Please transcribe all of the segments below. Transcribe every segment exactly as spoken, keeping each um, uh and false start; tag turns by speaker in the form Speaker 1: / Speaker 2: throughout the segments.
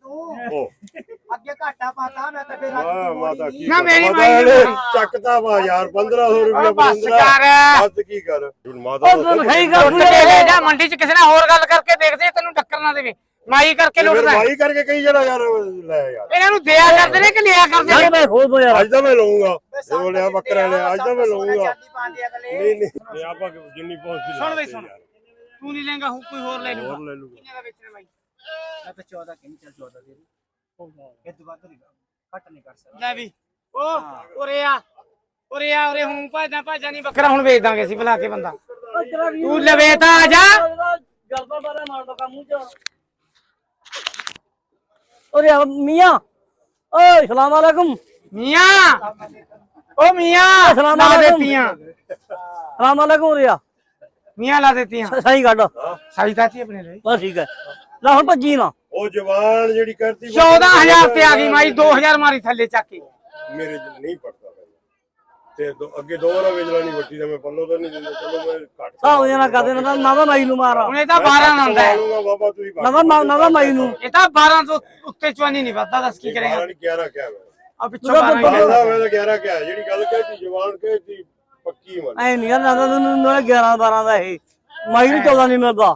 Speaker 1: ਤੂੰ ਅੱਗੇ ਘਾਟਾ ਪਾਤਾ ਮੈਂ ਤਾਂ ਫੇਰ
Speaker 2: ਮਾਤਾ ਕੀ
Speaker 3: ਨਾ ਮੇਰੀ ਮਾਈ
Speaker 2: ਚੱਕਦਾ ਵਾ ਯਾਰ ਪੰਦਰਾਂ ਸੌ ਰੁਪਏ
Speaker 3: ਬਸ ਕਰ
Speaker 2: ਬਸ ਕੀ ਕਰ ਹੁਣ ਮਾਤਾ
Speaker 4: ਉਹ ਤੂੰ ਸਹੀ ਗੱਲ
Speaker 3: ਲੈ ਜਾ ਮੰਡੀ ਚ ਕਿਸੇ ਨਾਲ ਹੋਰ ਗੱਲ ਕਰਕੇ ਦੇਖਦੇ ਤੈਨੂੰ ਟੱਕਰ ਨਾ ਦੇਵੇ ਮਾਈ ਕਰਕੇ ਲੁੱਟਦਾ
Speaker 2: ਮਾਈ ਕਰਕੇ ਕਈ ਜਣਾ ਯਾਰ ਲੈ ਯਾਰ
Speaker 3: ਇਹਨਾਂ ਨੂੰ ਦਿਆ ਕਰਦੇ ਨੇ ਕਿ ਲਿਆ ਕਰਦੇ ਨੇ
Speaker 4: ਮੈਂ ਖੋਦ ਦੋ ਯਾਰ
Speaker 2: ਅੱਜ ਤਾਂ ਮੈਂ ਲਵਾਂਗਾ ਇਹ ਬੋਲਿਆ ਬੱਕਰਾ ਲਿਆ ਅੱਜ ਤਾਂ ਮੈਂ ਲਵਾਂਗਾ
Speaker 1: ਨਹੀਂ
Speaker 2: ਨਹੀਂ ਨਹੀਂ ਆਪਾਂ ਜਿੰਨੀ ਪਹੁੰਚੀ
Speaker 3: ਸੁਣ ਬਈ ਸੁਣ ਤੂੰ ਨਹੀਂ ਲੈਂਗਾ ਕੋਈ ਹੋਰ ਲੈ ਲੂਗਾ
Speaker 2: ਹੋਰ ਲੈ ਲੂਗਾ
Speaker 3: ਕਿੰਨੇ ਦਾ ਵੇਚਣਾ ਬਾਈ
Speaker 1: ਮੈਂ ਤਾਂ ਚੌਦਾਂ ਕਹਿੰਦੀ ਚੱਲ ਚੌਦਾਂ ਦੇ ਦੇ ਇਹ ਤੋਂ ਵੱਧ ਨਹੀਂ ਘੱਟ ਨਹੀਂ ਕਰ ਸਕਦਾ
Speaker 3: ਲੈ ਵੀ ਓ ਉਰੇ ਆ ਉਰੇ ਆ ਉਰੇ ਹੁਣ ਭਾਜਾਂ ਭਾਜਾਂ ਨਹੀਂ ਬੱਕਰਾ ਹੁਣ ਵੇਚ ਦਾਂਗੇ ਅਸੀਂ ਬੁਲਾ ਕੇ ਬੰਦਾ ਤੂੰ ਲਵੇ ਤਾਂ ਆ ਜਾ
Speaker 4: ਗਲਦਾ ਬਾਰੇ ਮਾਰ ਦੋ ਕੰਮ ਚ ਓਰੇ ਮੀਆਂ ਓਏ ਸਲਾਮ ਅਲੈਕੁਮ
Speaker 3: ਮੀਆਂ ਓ ਮੀਆਂ
Speaker 4: ਸਲਾਮ
Speaker 3: ਲਾ
Speaker 4: ਅਲੈਕੁਮ।
Speaker 3: ਦੇਤੀਆਂ
Speaker 4: ਸਲਾਮ ਅਲੈਕੁਮ ਓਰੇ
Speaker 3: ਮੀਆਂ ਲਾ ਦੇਤੀਆਂ
Speaker 4: ਸਹੀ ਕੱਢ
Speaker 3: ਸਾਈ ਤਾਤੀ ਆਪਣੇ ਲਈ
Speaker 4: ਬਸ ਠੀਕ ਹੈ ਲੈ ਹੁਣ ਭੱਜੀ ਨਾ
Speaker 2: ਉਹ ਜਵਾਨ ਜਿਹੜੀ ਕਰਤੀ
Speaker 3: ਚੌਦਾਂ ਹਜ਼ਾਰ ਤੇ ਆ ਗਈ ਮਾਈ ਦੋ ਹਜ਼ਾਰ ਮਾਰੀ ਥੱਲੇ ਚੱਕ ਕੇ
Speaker 2: ਮੇਰੇ ਚ ਨਹੀਂ ਪੜਦਾ ਤੇ ਅੱਗੇ ਦੋ ਵਾਰ ਵੇਚ ਲੈਣੀ ਵੱਟੀ ਦਾ ਮੈਂ ਪੱਲੋ ਤਾਂ ਨਹੀਂ ਦਿੰਦਾ ਚਲੋ ਮੈਂ ਘੱਟ
Speaker 4: ਸਾਹ ਜਣਾ ਕਰਦੇ ਨਾ ਨਾ ਤਾਂ ਮਾਈ ਨੂੰ ਮਾਰਾ
Speaker 3: ਹੁਣ ਇਹ ਤਾਂ ਬਾਰਾਂ ਆਉਂਦਾ ਹੈ
Speaker 2: ਲਊਂਗਾ ਬਾਬਾ ਤੁਸੀਂ
Speaker 4: ਨਾ ਤਾਂ ਨਾ ਤਾਂ ਮਾਈ ਨੂੰ
Speaker 3: ਇਹ ਤਾਂ ਬਾਰਾਂ ਤੋਂ ਉੱਤੇ ਚਵਾਨੀ ਨਹੀਂ ਵੱਧਦਾ ਦੱਸ ਕੀ ਕਰੇਗਾ
Speaker 2: ਗਿਆਰਾਂ ਕਿਹਾ ਮੈਂ
Speaker 3: ਆ ਪਿੱਛੋਂ ਬਾਰਾਂ ਹੀ
Speaker 2: ਬਾਬਾ
Speaker 3: ਲੈਂਦਾ।
Speaker 2: ਮੈਂ ਤਾਂ ਗਿਆਰਾਂ ਕਿਹਾ ਜਿਹੜੀ ਗੱਲ ਕਹੀ ਜਵਾਨ ਕਹੀ ਪੱਕੀ ਮੰਨ
Speaker 4: ਐ ਨਹੀਂ ਯਾਰ ਨਾ ਤਾਂ ਤੈਨੂੰ ਗਿਆਰਾਂ ਬਾਰਾਂ ਦਾ ਇਹ ਮਾਈ ਨੂੰ ਚੌਦਾਂ ਨਹੀਂ ਮਿਲਦਾ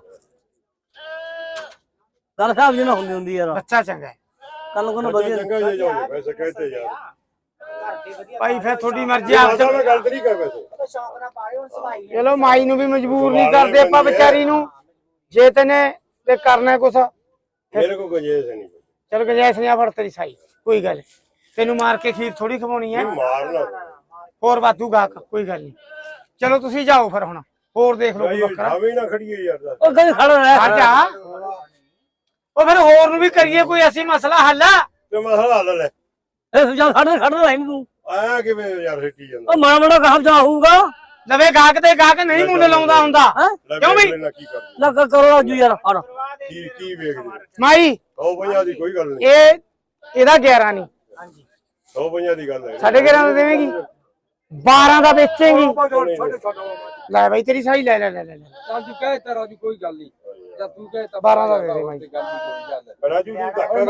Speaker 4: ਗੱਲ ਸਾਹਿਬ ਜੀ ਨਾ ਹੁੰਦੀ ਹੁੰਦੀ ਯਾਰ
Speaker 3: ਬੱਚਾ ਚੰਗਾ ਹੈ
Speaker 4: ਕੱਲ ਨੂੰ ਕੋਈ ਵਧੀਆ
Speaker 2: ਚੰਗਾ ਜੇ ਜਾਓ ਵੈਸੇ ਕਹਤੇ ਯਾਰ
Speaker 3: ਭਾਈ ਫਿਰ ਤੁਹਾਡੀ ਮਰਜ਼ੀ ਆਪ
Speaker 2: ਮਾਤਾ ਮੈਂ ਗੱਲ ਨਹੀਂ ਕਰ ਵੈਸੇ
Speaker 1: ਸ਼ੌਕ ਨਾਲ ਪਾਏ ਹੁਣ ਸਵਾਈ
Speaker 3: ਚਲੋ ਮਾਈ ਨੂੰ ਵੀ ਮਜਬੂਰ ਨਹੀਂ ਕਰਦੇ ਆਪਾਂ ਵਿਚਾਰੀ ਨੂੰ ਜੇ ਤੈਨੇ ਤੇ ਕਰਨਾ ਕੁਛ
Speaker 2: ਮੇਰੇ ਕੋ ਗੁੰਜਾਇਸ਼ ਨਹੀਂ
Speaker 3: ਚਲ ਗਜੈਸ ਨਹੀਂ ਆ ਫੜ ਤੇਰੀ ਸਾਈ ਕੋਈ ਗੱਲ ਨੀ। ਤੈਨੂੰ ਮਾਰ ਕੇ ਖੀਰ ਥੋੜੀ ਖਵਾਉਣੀ ਹੈ
Speaker 2: ਮਾਰਨਾ
Speaker 3: ਹੋਰ ਵਾਧੂ ਗਾਕ ਕੋਈ ਗੱਲ ਨਹੀਂ ਚਲੋ ਤੁਸੀਂ ਜਾਓ ਫਿਰ ਹੁਣ ਹੋਰ ਦੇਖ ਲਓ ਕੋਈ ਬੱਕਰਾ
Speaker 2: ਭਾਵੇਂ ਨਾ ਖੜੀਏ ਯਾਰ
Speaker 4: ਉਹ ਕਦੇ ਖੜਾ ਰਹਿ
Speaker 3: ਆ ਜਾ ਉਹ ਫਿਰ ਹੋਰ ਨੂੰ ਵੀ ਕਰੀਏ ਕੋਈ ਐਸੀ ਮਸਲਾ ਹੱਲ
Speaker 2: ਤੇ ਮਸਲਾ ਹੱਲ ਲੈ
Speaker 4: ਇਹ ਜਾਂ ਖੜਾ ਖੜਾ ਰਹਿ ਤੂੰ
Speaker 2: ਆਇਆ ਕਿਵੇਂ ਯਾਰ ਸਿੱਟੀ ਜਾਂਦਾ
Speaker 4: ਉਹ ਮਾੜਾ ਮਾੜਾ ਕਹਾਂ ਜਾ ਹੋਊਗਾ
Speaker 3: ਲਵੇ ਗਾਹਕ ਤੇ ਗਾਹਕ ਨਹੀਂ ਮੁੱਲ ਲਾਉਂਦਾ ਹੁੰਦਾ
Speaker 2: ਲੈ
Speaker 3: ਕਿਉਂ ਬਈ?
Speaker 2: ਵੇਖ ਲੈਣਾ ਕੀ ਕਰ
Speaker 4: ਲੱਗ ਕਰੋ ਰਾਜੂ ਯਾਰ ਹੜ
Speaker 2: ਕੀ ਕੀ ਵੇਖਦੇ
Speaker 3: ਮਾਈ
Speaker 2: ਸੌ ਪੰਜਾਹ ਦੀ ਕੋਈ ਗੱਲ ਨਹੀਂ
Speaker 3: ਇਹ ਇਹਦਾ ਗਿਆਰਾਂ ਨਹੀਂ
Speaker 2: ਸੌ ਪੰਜਾਹ ਦੀ ਗੱਲ ਹੈ
Speaker 3: ਸਾਢੇ ਗਿਆਰਾਂ ਦਾ ਦੇਵੇਂਗੀ ਬਾਰਾਂ ਦਾ ਵੇਚੇਂਗੀ ਲੈ ਬਾਈ ਤੇਰੀ ਸਾਈ ਲੈ ਲੈ ਲੈ ਲੈ ਲੈ।
Speaker 5: ਚੱਲ ਤੂੰ ਕਹਿ ਤਾ ਰਾਜੂ ਕੋਈ ਗੱਲ ਨਹੀਂ ਜਦ ਤੂੰ ਕਹਿ ਤਾ
Speaker 3: ਬਾਰਾਂ ਦਾ ਦੇ ਦੇ ਬਾਈ
Speaker 5: ਗੱਲ ਨਹੀਂ ਕੋਈ ਗੱਲ
Speaker 2: ਰਾਜੂ ਤੂੰ ਧੱਕਾ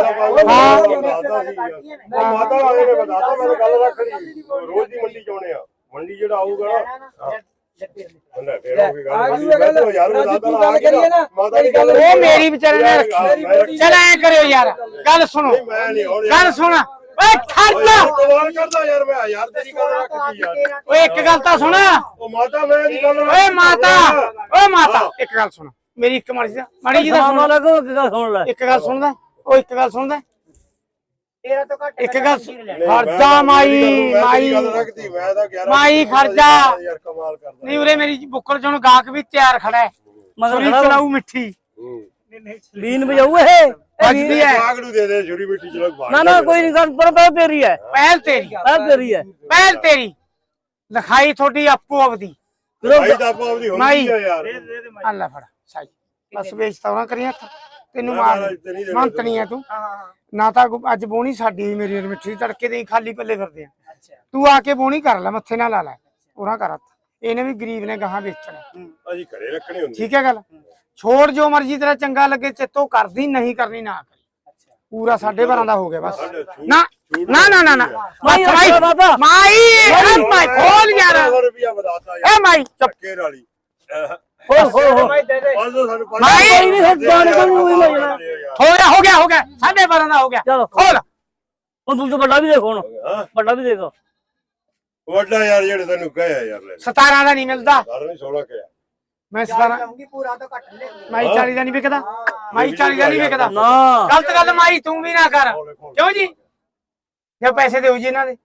Speaker 2: ਕਰ ਮਾਤਾ ਵਾਲੇ ਨੇ ਬਤਾਤਾ ਮੈਂ ਗੱਲ ਰੱਖਣੀ ਰੋਜ਼ ਦੀ ਮੰਡੀ ਚਾਉਣੇ ਆ ਮੰਡੀ ਜਿਹੜਾ ਆਊਗਾ ਨਾ ਲੈ ਫੇਰ ਉਹ ਗੱਲ ਯਾਰ
Speaker 5: ਗੱਲ ਕਰੀਏ ਨਾ
Speaker 2: ਮਾਤਾ ਦੀ
Speaker 5: ਗੱਲ
Speaker 3: ਉਹ ਮੇਰੀ ਵਿਚਾਰੇ ਨੇ ਰੱਖੀ ਚਲ ਐ ਕਰਿਓ ਯਾਰ ਗੱਲ ਸੁਣੋ
Speaker 2: ਮੈਂ ਨਹੀਂ ਹੁਣ
Speaker 3: ਗੱਲ ਸੁਣ ਓਏ ਖਰਚਾ
Speaker 2: ਸਵਾਲ ਕਰਦਾ ਯਾਰ ਮੈਂ ਯਾਰ ਤੇਰੀ ਗੱਲ ਰੱਖੀ ਯਾਰ
Speaker 3: ਓਏ ਇੱਕ ਗੱਲ ਤਾਂ ਸੁਣ
Speaker 2: ਉਹ ਮਾਤਾ ਮੈਂ ਦੀ ਗੱਲ
Speaker 3: ਓਏ ਮਾਤਾ ਓਏ ਮਾਤਾ ਇੱਕ ਗੱਲ ਸੁਣ ਮੇਰੀ ਇੱਕ ਮਾੜੀ ਜੀ ਮਾੜੀ ਜੀ ਦਾ
Speaker 4: ਸਲਾਮ
Speaker 3: ਸੁਣ
Speaker 4: ਅਲੈਕੁਮ ਇੱਕ ਗੱਲ ਸੁਣ ਲੈ
Speaker 3: ਇੱਕ ਗੱਲ ਸੁਣਦਾ ਉਹ ਇੱਕ ਗੱਲ ਸੁਣਦਾ
Speaker 1: ਤੇਰਾ ਤੋਂ ਘੱਟ
Speaker 3: ਇੱਕ ਗੱਲ ਖਰਚਾ ਮਾਈ ਮਾਈ
Speaker 2: ਗੱਲ ਰੱਖਦੀ ਮੈਂ ਤਾਂ ਗਿਆਰਾਂ
Speaker 3: ਮਾਈ ਖਰਚਾ
Speaker 2: ਯਾਰ ਕਮਾਲ ਕਰਦਾ
Speaker 3: ਨਹੀਂ ਉਰੇ ਮੇਰੀ ਬੁੱਕਲ ਚ ਹੁਣ ਗਾਹਕ ਵੀ ਤਿਆਰ ਖੜਾ ਹੈ
Speaker 4: ਮਗਰ
Speaker 3: ਸੁਰੀ
Speaker 4: ਖੜਾ
Speaker 3: ਚਲਾਊ ਮਿੱਠੀ
Speaker 4: ਲੀਨ ਵਜਾਊ ਇਹ
Speaker 3: ਵੱਜਦੀ ਹੈ
Speaker 2: ਬਾਗ ਨੂੰ ਦੇ ਦੇ ਛੁਰੀ ਮਿੱਟੀ ਚਲੋ ਬਾਹਰ
Speaker 4: ਨਾ ਨਾ ਕੋਈ ਨਹੀਂ ਗੱਲ ਪਰ ਪਰ ਤੇਰੀ ਹੈ
Speaker 3: ਪਹਿਲ ਤੇਰੀ
Speaker 4: ਪਰ ਤੇਰੀ ਹੈ
Speaker 3: ਪਹਿਲ ਤੇਰੀ ਲਿਖਾਈ ਤੁਹਾਡੀ ਆਪੋ ਆਪਦੀ
Speaker 2: ਭਾਈ ਤਾਂ ਆਪੋ ਆਪਦੀ
Speaker 3: ਮਾਈ
Speaker 2: ਹੁੰਦੀ ਆ ਯਾਰ
Speaker 3: ਅੱਲਾ ਫੜ ਸਾਈ ਬਸ ਵੇਚਤਾ ਉਹਨਾਂ ਕਰੀਆਂ ਤੈਨੂੰ
Speaker 2: ਮੈਂ
Speaker 3: ਮਾਰ
Speaker 2: ਮਹਾਰਾਜ ਤੇ ਨਹੀਂ ਦੇਣਾ
Speaker 3: ਮੰਤਣੀ ਆ ਤੂੰ ਨਾ ਤਾਂ ਅੱਜ ਬੋਣੀ ਸਾਡੀ ਮੇਰੀ ਮਿੱਠੀ ਤੜਕੇ ਦੇ ਖਾਲੀ ਪੱਲੇ ਫਿਰਦੇ ਆ ਤੂੰ ਆ ਕੇ ਬੋਣੀ ਕਰ ਲੈ ਮੱਥੇ ਨਾਲ ਲਾ ਲੈ ਉਹਨਾਂ ਕਰ ਇਹਨੇ ਵੀ ਗਰੀਬ ਨੇ ਗਾਹਾਂ ਵੇਚਣਾ
Speaker 2: ਅਸੀਂ ਘਰੇ ਰੱਖਣੀ ਹੁੰਦੀ
Speaker 3: ਠੀਕ ਹੈ ਗੱਲ ਛੋੜ ਜੋ ਮਰਜੀ ਤੇਰਾ ਚੰਗਾ ਲੱਗੇ ਚਿੱਤੋਂ ਕਰਦੀ ਨਹੀਂ ਕਰਨੀ ਨਾ ਕਰੀ ਪੂਰਾ ਸਾਢੇ ਬਾਰਾਂ ਦਾ ਹੋ ਗਿਆ ਬਸ ਨਾ ਨਾ ਨਾ ਨਾ ਨਾ ਮਾਈ ਮਾਈ ਮਾਈ ਮਾਈ ਖੋਲ ਯਾਰ
Speaker 2: ਰੁਪਿਆ ਵਧਾਤਾ ਯਾਰ
Speaker 3: ਏ ਮਾਈ ਚੁੱਪ
Speaker 2: ਧੱਕੇ ਵਾਲੀ
Speaker 4: ਹੋ ਹੋ ਹੋ
Speaker 2: ਪੰਜ ਸੌ ਸਾਨੂੰ ਪੰਜ
Speaker 3: ਮਾਈ
Speaker 4: ਕੋਈ ਨਹੀਂ ਫਿਰ ਜਾਣ ਕੇ ਨੂੰ ਹੀ ਲੈ ਜਾਣਾ
Speaker 3: ਹੋ ਗਿਆ ਹੋ ਗਿਆ ਹੋ ਗਿਆ ਸਾਢੇ ਬਾਰਾਂ ਦਾ ਹੋ ਗਿਆ
Speaker 4: ਚਲੋ
Speaker 3: ਖੋਲ
Speaker 4: ਹੁਣ ਤੂੰ ਤਾਂ ਵੱਡਾ ਵੀ ਦੇਖ ਹੁਣ
Speaker 2: ਹਾਂ
Speaker 4: ਵੱਡਾ ਵੀ ਦੇਖ
Speaker 2: ਵੱਡਾ ਯਾਰ ਜਿਹੜੇ ਤੈਨੂੰ ਕਹਿਆ ਯਾਰ ਲੈ
Speaker 3: ਸਤਾਰਾਂ ਦਾ ਨਹੀਂ ਮਿਲਦਾ
Speaker 2: ਘਰ ਨਹੀਂ ਸੋਲਾ ਕਿਹਾ
Speaker 3: ਮੈਂ ਸਤਾਰਾਂ
Speaker 1: ਲਾਉਂਗੀ ਪੂਰਾ ਤਾਂ ਘੱਟ ਲੈ
Speaker 3: ਮਾਈ ਚਾਲੀ ਦਾ ਨਹੀਂ ਵਿਕਦਾ ਮਾਈ ਚਾਲੀ ਦਾ ਨਹੀਂ ਵਿਕਦਾ
Speaker 4: ਨਾ
Speaker 3: ਗਲਤ ਗੱਲ ਮਾਈ ਤੂੰ ਵੀ ਨਾ ਕਰ ਕਿਉਂ ਜੀ ਜੇ ਪੈਸੇ ਦੇਉ ਜੀ ਇਹਨਾਂ ਦੇ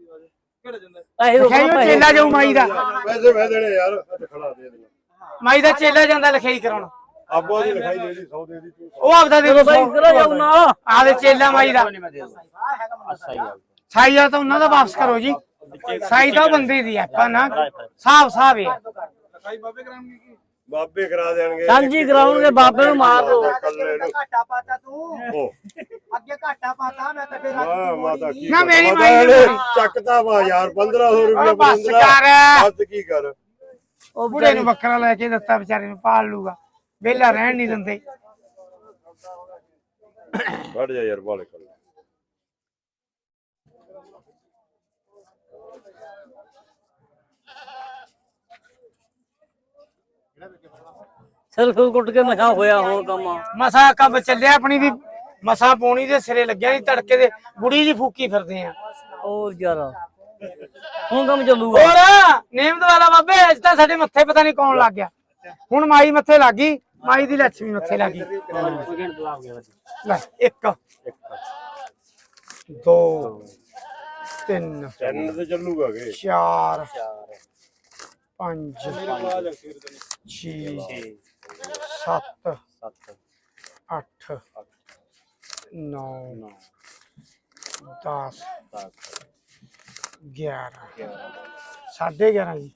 Speaker 4: ਪੈਸੇ ਦੋ
Speaker 3: ਲਿਖਾਈ ਉਹ ਚੇਲਾ ਜਾਊ ਮਾਈ ਦਾ
Speaker 2: ਪੈਸੇ ਮੈਂ ਦੇਣੇ ਯਾਰ ਅੱਜ ਖੜਾ ਦੇ ਦੇਣਾ
Speaker 3: ਮਾਈ ਦਾ ਚੇਲਾ ਜਾਂਦਾ ਲਿਖਾਈ ਕਰਾਉਣ
Speaker 2: ਆਪੋ ਦੀ ਲਿਖਾਈ ਦੇ ਦੀ ਸੌ ਦੇ ਦੀ ਤੂੰ
Speaker 3: ਉਹ ਆਪਦਾ ਦੇ ਦੋ
Speaker 4: ਬਾਈ ਕਰਾ ਜਾਉ ਨਾ
Speaker 3: ਆਦੇ ਚੇਲਾ ਮਾਈ ਦਾ ਸਾਈ ਆ ਤਾਂ ਉਹਨਾਂ ਦਾ ਵਾਪਸ ਕਰੋ ਜੀ ਸਾਈ ਤਾਂ ਉਹ ਬੰਦੇ ਦੀ ਆਪਾਂ ਨਾ ਸਾਫ ਸਾਫ ਹੈ
Speaker 2: ਬਾਬੇ ਕਰਾ ਦੇਣਗੇ
Speaker 4: ਸਾਂਝੀ ਕਰਾਉਣਗੇ ਬਾਬੇ ਨੂੰ ਮਾਰ ਦੋ
Speaker 2: ਕੱਲੇ ਨੂੰ
Speaker 1: ਘਾਟਾ ਪਾਤਾ ਤੂੰ
Speaker 2: ਉਹ
Speaker 1: ਅੱਗੇ ਘਾਟਾ ਪਾਤਾ ਮੈਂ ਤਾਂ ਫੇਰ
Speaker 2: ਵਾਹ ਮਾਤਾ ਕੀ
Speaker 3: ਨਾ ਮੇਰੀ
Speaker 2: ਮਾਤਾ
Speaker 3: ਮਾਈ
Speaker 2: ਨੇ
Speaker 3: ਨੂੰ-
Speaker 2: ਚੱਕਦਾ ਵਾ ਯਾਰ ਪੰਦਰਾਂ ਸੌ ਰੁਪਏ
Speaker 3: ਬਸ ਕਰ
Speaker 2: ਬਸ ਕੀ ਕਰ
Speaker 3: ਉਹ ਬੁੜੇ ਨੂੰ ਬੱਕਰਾ ਲੈ ਕੇ ਦਿੱਤਾ ਵਿਚਾਰੇ ਨੂੰ ਪਾਲ ਲੂਗਾ ਵਿਹਲਾ ਰਹਿਣ ਨਹੀਂ ਦਿੰਦੇ
Speaker 2: ਵੱਢ ਜਾ ਯਾਰ ਬਾਲੇ ਕਰ
Speaker 4: ਸਿਰ ਕੁੱਟ ਕੇ ਮਖਾ ਹੋਇਆ ਹੁਣ ਕੰਮ
Speaker 3: ਮਸਾ ਕੰਮ ਚੱਲਿਆ ਆਪਣੀ ਵੀ ਮਸਾ ਪੋਣੀ ਦੇ ਸਿਰੇ ਲੱਗਿਆ ਨਹੀਂ ਤੜਕੇ ਦੇ ਬੁੜੀ ਜੀ ਫੂਕੀ ਫਿਰਦੇ ਆ
Speaker 4: ਹੋਰ ਯਾਰ ਹੁਣ ਕੰਮ ਚੱਲੂਗਾ
Speaker 3: ਹੋਰ ਨੇਮਤ ਵਾਲਾ ਬਾਬੇ ਅੱਜ ਤਾਂ ਸਾਡੇ ਮੱਥੇ ਪਤਾ ਨਹੀਂ ਕੌਣ ਲੱਗ ਗਿਆ ਹੁਣ ਮਾਈ ਮੱਥੇ ਲੱਗ ਗਈ ਮਾਈ ਦੀ ਲੱਛਮੀ ਮੱਥੇ ਲੱਗ ਗਈ ਲੈ ਇੱਕ ਦੋ ਤਿੰਨ
Speaker 2: ਚੈਨਲ ਤੇ ਚੱਲੂਗਾ ਕਿ
Speaker 3: ਚਾਰ ਪੰਜ ਛੇ ਸੱਤ ਅੱਠ ਨੌ ਦਸ ਗਿਆਰਾਂ ਸਾਢੇ ਗਿਆਰਾਂ ਜੀ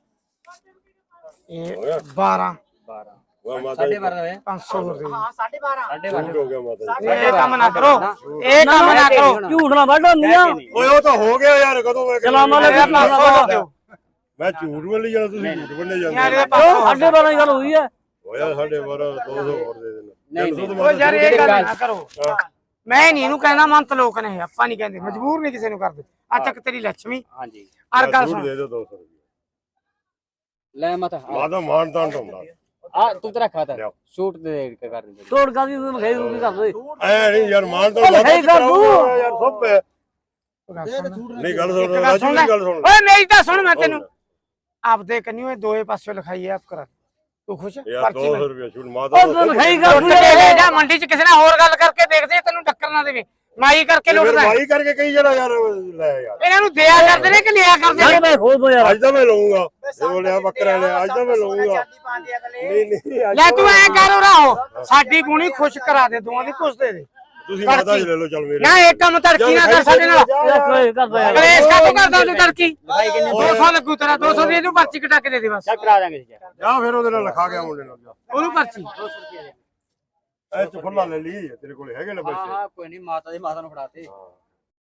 Speaker 3: ਇਹ ਬਾਰਾਂ
Speaker 2: ਵਾਹ ਮਾਤਾ ਜੀ
Speaker 3: ਪੰਜ ਸੌ ਰੁਪਏ
Speaker 1: ਹਾਂ ਸਾਢੇ ਬਾਰਾਂ
Speaker 2: ਝੂਠ ਹੋ ਗਿਆ ਮਾਤਾ ਜੀ
Speaker 3: ਇਹ ਕੰਮ ਨਾ ਕਰੋ ਇਹ ਕੰਮ ਨਾ ਕਰੋ
Speaker 4: ਝੂਠ ਨਾ ਵੱਢ ਹੁੰਦੀਆਂ
Speaker 2: ਓਏ ਉਹ ਤਾਂ ਹੋ ਗਿਆ ਯਾਰ ਕਦੋਂ ਮੈਂ
Speaker 4: ਸਲਾਮਾਂ ਲੈ ਕੇ
Speaker 3: ਪੰਜ ਸੌ ਦਿਓ
Speaker 2: ਮੈਂ ਝੂਠ ਵੱਲ ਜਾਣਾ ਤੁਸੀਂ ਝੂਠ ਵੱਲੇ
Speaker 3: ਯਾਰ
Speaker 2: ਜਾਂਦੇ
Speaker 3: ਇਹਦੇ ਪੰਜ ਸੌ
Speaker 4: ਸਾਡੇ ਬਾਰਾਂ ਦੀ ਗੱਲ ਹੋਈ ਹੈ
Speaker 2: ਹੋਇਆ ਸਾਡੇ ਬਾਰਾਂ ਦੋ ਸੌ ਹੋਰ ਦੇ ਦੇਣਾ
Speaker 3: ਉਹ ਯਾਰ ਇਹ ਗੱਲ ਨਾ ਕਰੋ ਮੈਂ ਨਹੀਂ ਇਹਨੂੰ ਕਹਿੰਦਾ ਮੰਤ ਲੋਕ ਨੇ ਆਪਾਂ ਨਹੀਂ ਕਹਿੰਦੇ ਮਜਬੂਰ ਨਹੀਂ ਕਿਸੇ ਨੂੰ ਕਰਦੇ ਆ ਚੱਕ ਤੇਰੀ ਲੱਛਮੀ
Speaker 4: ਹਾਂਜੀ
Speaker 3: ਅਰ ਗੱਲ ਸੁਣ
Speaker 2: ਦੇ ਦਿਓ ਦੋ ਸੌ ਰੁਪਏ
Speaker 5: ਲੈ ਮਤ
Speaker 2: ਮਾਤਾ ਮਾਨਤਾਨ ਤੋਂ ਹੁੰਦਾ
Speaker 5: ਆ ਤੂੰ ਤੇਰਾ ਖਾਤਾ ਸ਼ੂਟ ਦੇ ਕੇ ਕਰ ਦੇ
Speaker 4: ਤੋੜ ਕਾ ਦੀ ਤੂੰ ਖੇਈ ਰੂਪੀ ਕਰ ਦੇ
Speaker 2: ਐ ਨਹੀਂ ਯਾਰ ਮਾਨਤਾਨ
Speaker 4: ਉਹ ਲਿਖਾਈ ਕਰ ਦੂੰ।
Speaker 2: ਯਾਰ ਸਭ ਹੈ ਨਹੀਂ ਗੱਲ ਸੁਣ
Speaker 3: ਇੱਕ ਗੱਲ
Speaker 2: ਰਾਜੂ
Speaker 3: ਸੁਣ
Speaker 2: ਦੀ ਗੱਲ ਸੁਣ
Speaker 3: ਓਏ ਮੇਰੀ ਤਾਂ ਸੁਣ ਮੈਂ ਤੈਨੂੰ ਆਪਦੇ ਕੰਨਿਓ ਇਹ ਦੋਏ ਪਾਸੇ ਲਿਖਾਈ ਆਪ ਕਰ ਤੂੰ ਖੁਸ਼
Speaker 2: ਯਾਰ
Speaker 3: ਪਰਚੀ
Speaker 2: ਦੋ ਸੌ
Speaker 3: ਮਿਲ
Speaker 2: ਰੁਪਏ ਛੂਟ ਮਾਤਾ
Speaker 4: ਉਹ ਤੂੰ ਲਿਖਾਈ ਕਰ
Speaker 3: ਉੱਠ
Speaker 4: ਦੂੰ।
Speaker 3: ਕੇ ਲੈ ਜਾ ਮੰਡੀ 'ਚ ਕਿਸੇ ਨਾਲ ਹੋਰ ਗੱਲ ਕਰਕੇ ਦੇਖਦੇ ਤੈਨੂੰ ਟੱਕਰ ਨਾ ਦੇਵੇ ਮਾਈ ਕਰਕੇ ਲੁੱਟਦਾ ਹੈ।
Speaker 2: ਭਾਈ ਕਰਕੇ ਕਈ ਜਣਾ ਯਾਰ ਲੈ ਯਾਰ
Speaker 3: ਇਹਨਾਂ ਨੂੰ ਦਿਆ ਕਰਦੇ ਨੇ ਕਿ ਲਿਆ ਕਰਦੇ
Speaker 4: ਯਾਰ
Speaker 3: ਨੇ
Speaker 4: ਮੈਂ ਖੋਲ ਦੋ ਯਾਰ
Speaker 2: ਅੱਜ ਤਾਂ ਮੈਂ ਲਵਾਂਗਾ ਜੇ ਲਿਆ ਬੱਕਰਾ ਲਿਆ ਅੱਜ ਤਾਂ ਮੈਂ ਲਵਾਂਗਾ ਨਹੀਂ ਨਹੀਂ ਅੱਜ
Speaker 3: ਲੈ ਤੂੰ ਐ ਕਰ ਰਹੋ ਸਾਡੀ ਗੁਣੀ ਖੁਸ਼ ਕਰਾ ਦੇ ਦੋਵਾਂ ਦੀ ਖੁਸ਼ ਦੇ ਦੇ
Speaker 2: ਤੁਸੀਂ ਮਾਤਾ ਜੀ ਲੈ ਲਓ ਚੱਲ ਮੇਰੇ
Speaker 3: ਨਾ ਇਹ ਕੰਮ ਤੜਕੀ ਨਾ ਕਰ ਸਾਡੇ ਨਾਲ
Speaker 4: ਯਾਰ ਕੋਈ ਕਰ ਦੋ ਯਾਰ
Speaker 3: ਕਲੇਸ਼ ਕਾ ਤੂੰ ਕਰਦਾ ਤੂੰ ਤੜਕੀ ਦੋ ਸੌ ਲੱਗੂ ਤੇਰਾ ਦੋ ਸੌ ਦੀ ਇਹਨੂੰ ਪਰਚੀ ਕਟਾ ਕੇ ਦੇ ਦੇ ਬਸ
Speaker 5: ਕਰਾ ਦਾਂਗੇ ਜੀ
Speaker 2: ਜਾ ਫਿਰ ਉਹਦੇ ਨਾਲ ਲਿਖਾ ਗਿਆ ਮੁੰਡੇ ਨਾਲ
Speaker 3: ਉਹਨੂੰ ਪਰਚੀ
Speaker 2: ਐ ਚ ਫੁੱਲਾ ਲੈ ਲਈ ਤੇਰੇ ਕੋਲ ਹੈਗੇ ਨੇ ਪੈਸੇ
Speaker 5: ਹਾਂ ਕੋਈ ਨਹੀਂ ਮਾਤਾ ਦੀ ਮਾਤਾ ਨੂੰ ਫੜਾਤੇ
Speaker 2: ਹਾਂ